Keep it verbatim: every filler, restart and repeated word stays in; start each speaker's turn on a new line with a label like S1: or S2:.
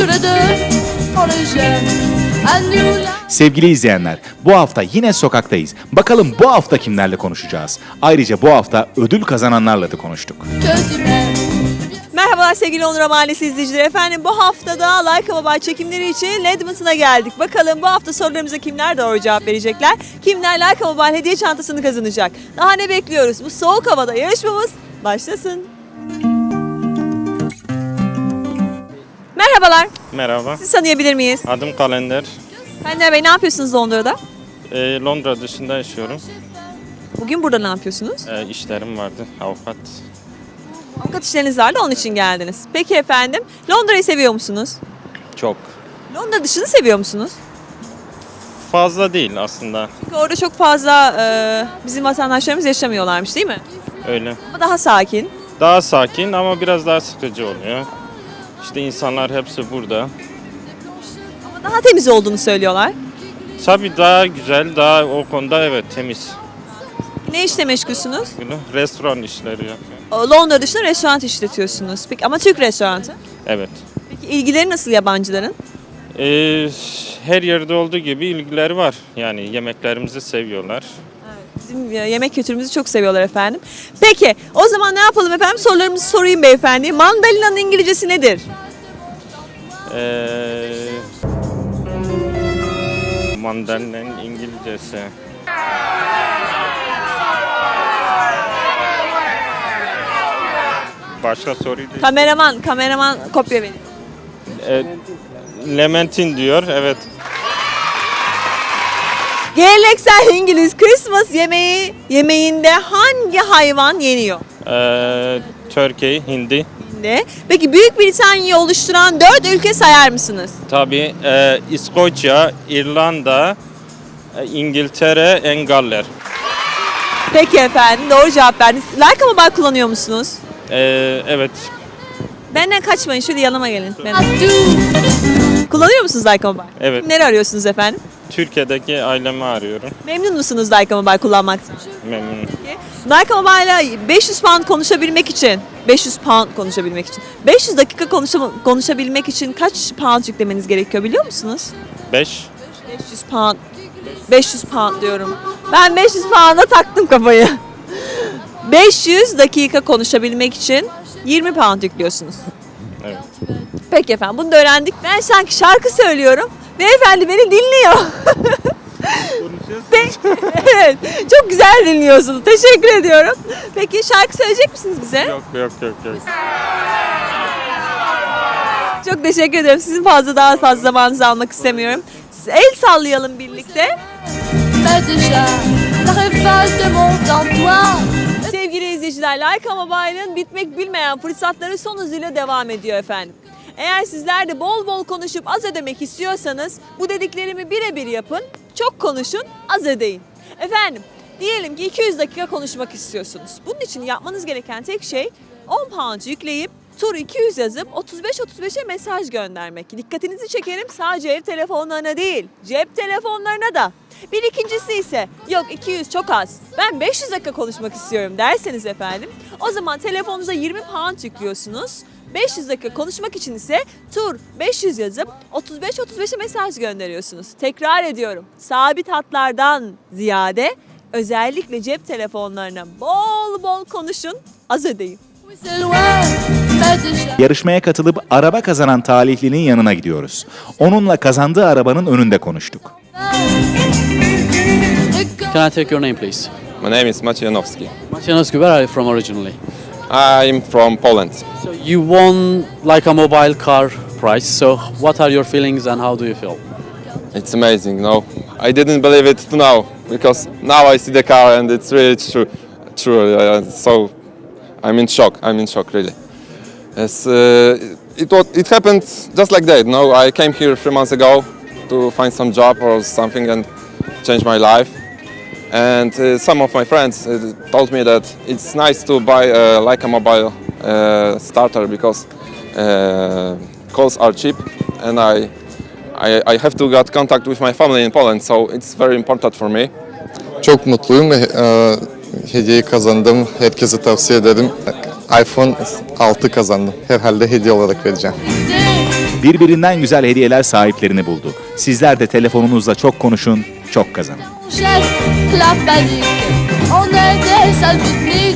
S1: Sevgili izleyenler, bu hafta yine sokaktayız. Bakalım bu hafta kimlerle konuşacağız? Ayrıca bu hafta ödül kazananlarla da konuştuk.
S2: Merhabalar sevgili Londra Mahallesi izleyicileri. Efendim bu haftada Like a Mobile çekimleri için Edmonton'a geldik. Bakalım bu hafta sorularımıza kimler doğru cevap verecekler? Kimler Like a Mobile hediye çantasını kazanacak? Daha ne bekliyoruz? Bu soğuk havada yarışmamız başlasın. Merhabalar.
S3: Merhaba,
S2: Sizi tanıyabilir miyiz?
S3: adım Kalender.
S2: Kalender Bey ne yapıyorsunuz Londra'da?
S3: Ee, Londra dışında yaşıyorum.
S2: Bugün burada ne yapıyorsunuz?
S3: Ee, işlerim vardı, avukat.
S2: Avukat işleriniz vardı onun için geldiniz. Peki efendim Londra'yı seviyor musunuz?
S3: Çok.
S2: Londra dışını seviyor musunuz?
S3: Fazla değil aslında,
S2: Çünkü orada çok fazla e, bizim vatandaşlarımız yaşamıyorlarmış değil mi?
S3: öyle.
S2: Ama daha sakin.
S3: Daha sakin ama biraz daha sıkıcı oluyor. İşte insanlar hepsi burada.
S2: Ama daha temiz olduğunu söylüyorlar.
S3: Tabii daha güzel, daha o konuda evet temiz.
S2: Ne işle meşgulsünüz?
S3: Böyle restoran işleri yapıyor.
S2: O, Londra dışında restoran işletiyorsunuz. Peki ama Türk restoranı.
S3: Evet.
S2: Peki ilgileri nasıl yabancıların?
S3: Ee, her yerde olduğu gibi ilgileri var. Yani yemeklerimizi seviyorlar.
S2: Bizim e, yemek kültürümüzü çok seviyorlar efendim. Peki o zaman ne yapalım efendim? Sorularımızı sorayım beyefendi. Mandalina'nın İngilizcesi nedir?
S3: Ee, Mandalina'nın İngilizcesi. Başka soruyu değil.
S2: Kameraman, kameraman kopya verin.
S3: E, Lementin diyor, evet.
S2: Geleneksel İngiliz Christmas yemeği yemeğinde hangi hayvan yeniyor?
S3: E, Türkiye, Hindi.
S2: Ne? Peki Büyük Britanya'yı oluşturan dört ülke sayar mısınız?
S3: Tabii e, İskoçya, İrlanda, e, İngiltere, Engaller.
S2: Peki efendim doğru cevap verdiniz. Like a Mobile kullanıyor musunuz?
S3: E, evet,
S2: Benden kaçmayın şöyle yanıma gelin. Ben... Kullanıyor musunuz Like a Mobile?
S3: Evet.
S2: Kimleri arıyorsunuz efendim?
S3: Türkiye'deki ailemi arıyorum.
S2: Memnun musunuz Like a Mobile kullanmaktan?
S3: Memnunum.
S2: Like a Mobile'la beş yüz pound konuşabilmek için, beş yüz pound konuşabilmek için, beş yüz dakika konuşa- konuşabilmek için kaç pound yüklemeniz gerekiyor biliyor musunuz?
S3: beş.
S2: beş yüz pound. beş yüz pound diyorum. Ben beş yüz pound'a taktım kafayı. beş yüz dakika konuşabilmek için yirmi pound yüklüyorsunuz.
S3: Evet.
S2: Peki efendim bunu da öğrendik. Ben sanki şarkı söylüyorum. Beyefendi beni dinliyor. Peki, evet, çok güzel dinliyorsunuz. Teşekkür ediyorum. Peki şarkı söyleyecek misiniz bize?
S3: Yok, yok, yok, yok.
S2: Çok teşekkür ederim. Sizin fazla daha fazla zamanınızı almak istemiyorum. El sallayalım birlikte. Sevgili izleyiciler, Like a Mobile'ın bitmek bilmeyen fırsatları son hızıyla devam ediyor efendim. Eğer sizler de bol bol konuşup az ödemek istiyorsanız bu dediklerimi birebir yapın. Çok konuşun, az ödeyin. Efendim, diyelim ki iki yüz dakika konuşmak istiyorsunuz. Bunun için yapmanız gereken tek şey on pound yükleyip tur iki yüz yazıp otuz beş otuz beşe mesaj göndermek. Dikkatinizi çekerim sadece ev telefonlarına değil, cep telefonlarına da. Bir ikincisi ise yok iki yüz çok az, ben beş yüz dakika konuşmak istiyorum derseniz efendim o zaman telefonunuza yirmi pound yüklüyorsunuz. beş yüz dakika konuşmak için ise tur beş yüz yazıp otuz beş otuz beşe mesaj gönderiyorsunuz. Tekrar ediyorum, sabit hatlardan ziyade özellikle cep telefonlarına bol bol konuşun, az ödeyin.
S1: Yarışmaya katılıp araba kazanan talihlinin yanına gidiyoruz. Onunla kazandığı arabanın önünde konuştuk.
S4: Can I take your name, please?
S5: My name is Macianowski.
S4: Macianowski, where are you from originally?
S5: I'm from Poland.
S4: So you won like a mobile car prize. So what are your feelings and how do you feel?
S5: It's amazing, no? I didn't believe it now because now I see the car and it's really true. True. Uh, so I'm in shock. I'm in shock, really. Yes, uh, it was, it happened just like that. No, I came here three months ago to find some job or something and change my life. And uh, some of my friends uh, told me that it's nice to buy uh, like a mobile uh, starter because uh, calls are cheap, and I, I I have to get contact with my family in Poland, so it's very important for me.
S6: Çok mutluyum ve e, hediyeyi kazandım. Herkese tavsiye ederim. iPhone altı kazandım. Herhalde hediye olarak vereceğim.
S1: Birbirinden güzel hediyeler sahiplerini buldu. Sizler de telefonunuzla çok konuşun, çok kazanın.
S7: Chef, la panique, on était sales pique-nique.